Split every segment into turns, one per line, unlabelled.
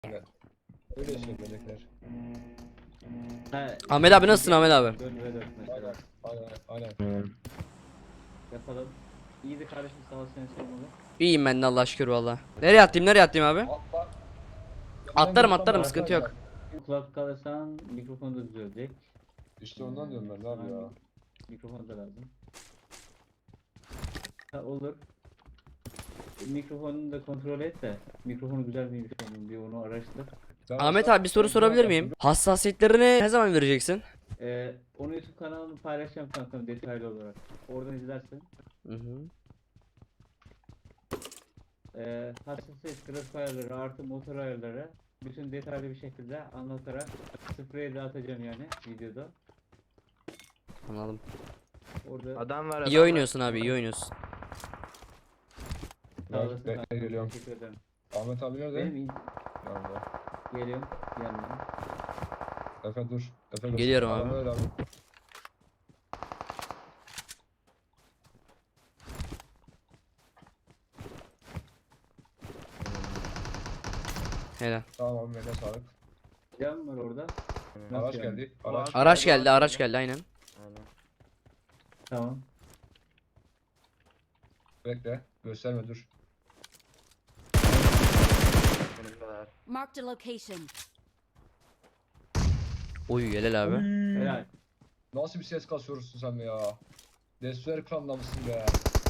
Evet. Öyle söylenecekler.
Ahmet abi nasılsın Ahmet abi?
4 ve 4 mesela.
Aynen.
Yapalım. İyiydi kardeşim, sağ ol, seni sormalı.
İyiyim ben de Allah'a şükür valla. Nereye atlayayım abi?
Atla.
Atlarım sıkıntı yok.
Kulak kalırsan mikrofonu da düzelecek.
İşte ondan diyorum ben abi ya.
Mikrofon da lazım. Ha, olur. Mikrofonunu da kontrol et de. Mikrofonu güzel miymiş onun, bir onu araştır.
Ahmet abi bir soru sorabilir miyim? Hassasiyetlerini ne zaman vereceksin?
Onu YouTube kanalını paylaşacağım kankam, detaylı olarak. Oradan izlersin.
Hı hı.
Hassasiyet, grafik ayarları artı motor ayarları bütün detaylı bir şekilde anlatarak spreye dağıtacağım yani videoda.
Anladım.
Orada
Adam var.
İyi oynuyorsun abi, iyi oynuyorsun.
sağ olasın
Bekle,
kankam,
geliyorum.
teşekkür ederim.
Ahmet abi nerede?
Benim
Yanında.
geliyorum yanına.
Efe dur. Efe dur.
Geliyorum
Adam
abi.
öyle abi.
Helal.
Tamam abi, mega sağlık.
Can var orada. Nasıl
Araç
yani?
geldi. Araç.
Araç geldi aynen.
Aynen.
Tamam.
Bekle. Gösterme dur.
Benim kadar.
Marked a location.
Oy helal abi.
Helal.
Nasıl bir ses kasıyorsun sen be ya? Destur ekranında mısın be?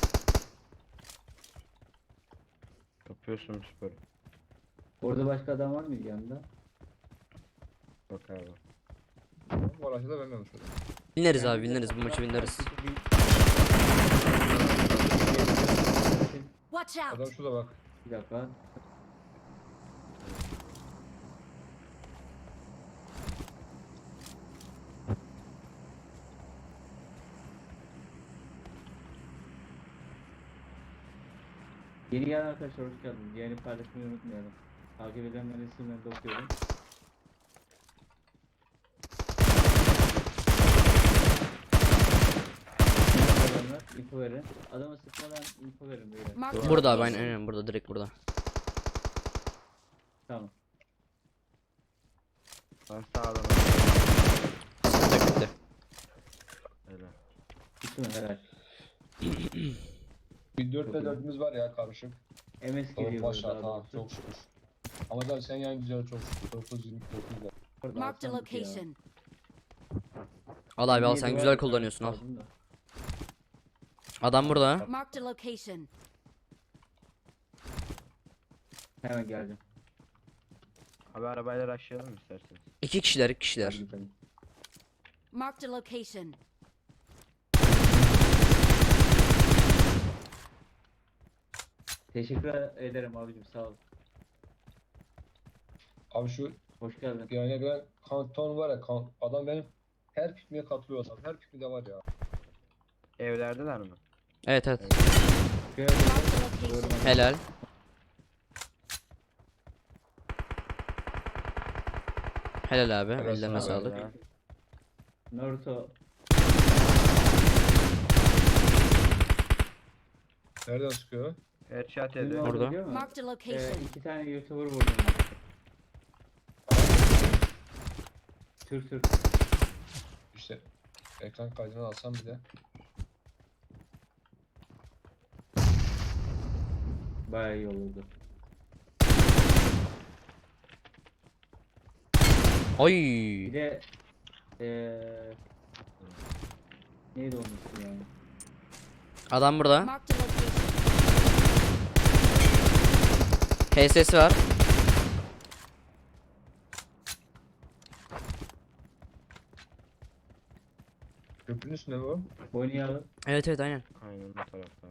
Yapıyorsun spor.
Orada başka adam var mıydı yanında?
Bak abi.
Bu araçta da ben şöyle.
Bineriz abi bineriz bu maçı bineriz.
Watch out!
Adam şurada bak.
Bir dakika. Yeni gelen arkadaşlar hoş geldiniz. Yeni paylaşmayı unutmayalım. Takip edenlerin isimlerini de okuyorum. İnfo verin. Adama sıkmadan info verin böyle.
Marked a
Burada abi
location.
aynen burada direkt burada.
Tamam.
Ben sağlam.
Bitti bitti.
Öyle.
Bitti mi? Helal.
Bir 4 ve 4'ümüz var ya karışık.
MS
Tamam
geliyor
başla
burada.
tamam çok şükür. Ama da sen yani güzel çok şükür. 9-29 da.
Marked a location.
Al abi al sen güzel kullanıyorsun al. Adam burada.
Marked a location.
Hemen geldim.
Abi arabayla aşağıya isterseniz.
İki kişiler.
Geldim.
Marked a location.
Teşekkür ederim abicim, sağ ol.
Abi şu
Hoş geldin.
yani ben kanton var ya adam benim her pikniğe katılıyor adam. Her pikniğe var ya.
Evlerdeler mi?
Evet evet.
Gördüm.
Marked a
Gördüm.
location.
Helal. Helal abi.
Helal
Ellerine
sana be.
sağlık.
Ya.
Naruto.
Nereden çıkıyor?
Headshot
Bizim
yedi.
orada
Orada.
biliyor musun?
Marked a location.
2 tane YouTuber vurdum. Sür.
İşte ekran kaydını alsam bir de.
Bayağı iyi olurdu.
Oy.
Bir de neydi onun ismi yani?
Adam burada.
Marked a location.
HS'si var.
Köprünün üstünde mi o?
Oynayalım.
Evet evet aynen.
Aynen bu tarafta.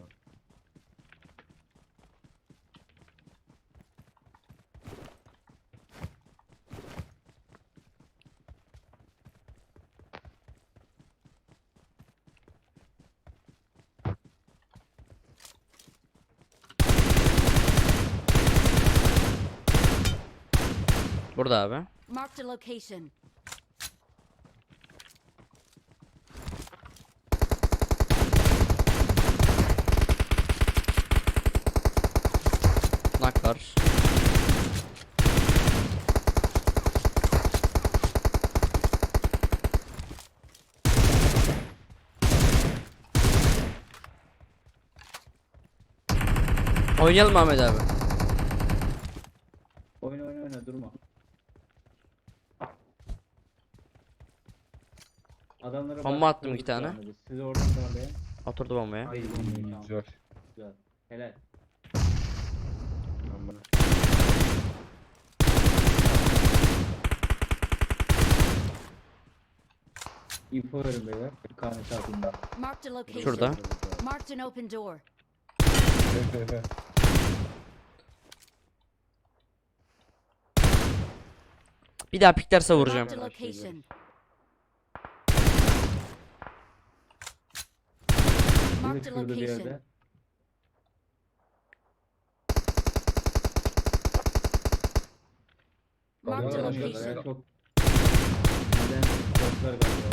Burada abi.
Marked a location.
Naklar. Oynayalım Ahmet abi.
Oyna oyna oyna durma. Adamlara
Bomba
bak,
attım iki
kırdık
tane.
şu anda biz. Siz oradan darlayın.
Oturdu bombaya.
Ay bombayı tamam.
Güzel.
Güzel. Helal.
Tamam, bana.
Info verin beyler. Kahve altında.
Marked a location.
Şurada.
Marked an open door.
Evet.
Bir daha piklerse vuracağım.
Marked a location.
Bir de
Marked a
şurada bir
location.
yerde.
Marked a
Tamam,
location.
tamam.
Çok. Neden? Korklar galiba.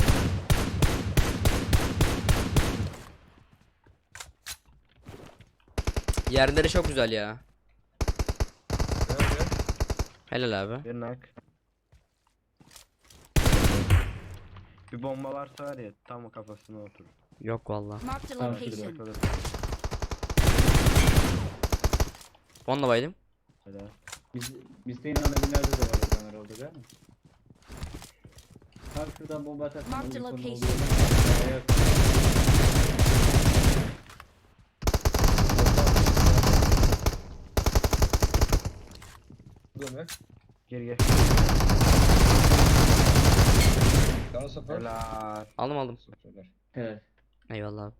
Yerleri çok güzel ya.
Nerede?
Helal abi.
Bir nak. Bir bomba varsa var ya tam kafasına oturur.
Yok valla.
Marked a
Tamam,
location.
Kalır.
Onunla baydım.
Helal.
Biz de inanla binlerde de var kamera oldu değil mi? Tam şuradan bomba atarsan
Marked
oyun sonu
location.
oluyor. Eğer-
Bu ne?
Gir.
Canı sıfır.
Helal.
Aldım.
Sıfırlar.
Evet.
Eyvallah abi.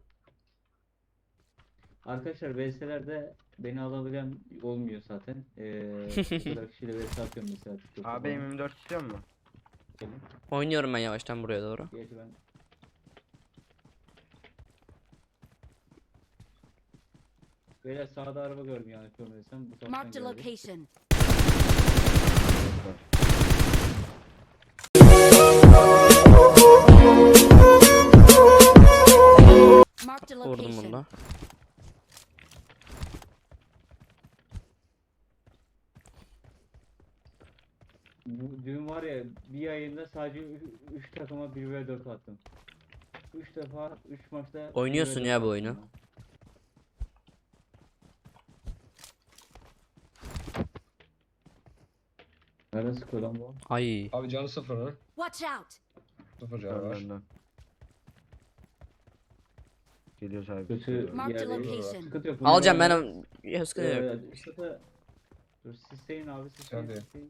Arkadaşlar VS'lerde beni alabilen olmuyor zaten. Bu kadar kişiyle VS atıyorum mesela TikTok'ta
Abi
falan.
M24 istiyor mu?
Gelin.
Oynuyorum ben yavaştan buraya doğru.
Gerçi ben böyle sağda araba gördüm yani görmediysem bu taraftan
Marked a
geldi.
location. Marked a
Vurdum
location.
bunda.
Bu dün var ya bir ayında sadece 3 takıma 1v4 attım. 3 defa 3 maçta
Oynuyorsun
1v4
ya bu
attım
oyunu.
ya. Nereden sıkıyor lan bu?
Ay.
Abi canı sıfır mı?
Watch out.
Sıfır canı var.
Önden. Geliyoruz abi.
Kötü
Marked a
yerde.
location.
Sıkıntı yok.
Alacağım
bunları-
ben. Ya sıkıntı yok.
Sıkıntı. Dur sisteyin abi
Sen
sisteyin.
de.
sisteyin.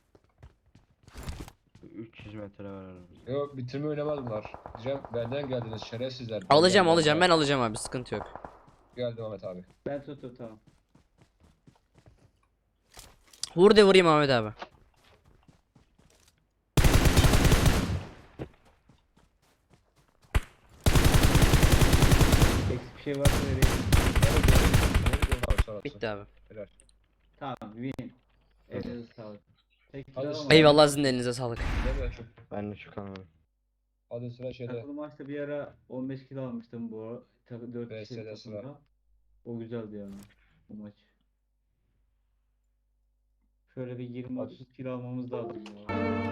300 metre var aramızda.
Yok bitirme oynamaz bunlar. Diyeceğim benden geldiniz şerefsizler.
Alacağım ben alacağım abi sıkıntı yok.
Geldim Ahmet abi.
Ben tuttum tamam.
Vur de vurayım Ahmet abi.
Eksik bir şey varsa vereyim.
Abi sonrası.
Bitti abi.
Helal.
Tamam win. Elinize sağlık. Tek
Hadi
kill
sıra-
alamadım.
Eyvallah sizin de elinize sağlık.
Değil mi?
Ben de çok anladım.
Hadi sıra şeyde.
Takılı maçta bir ara 15 kilo almıştım bu 4
VS'de
kişilik
sıra.
takımda. O güzeldi yani bu maç. Şöyle bir 20-30 kilo almamız lazım ya.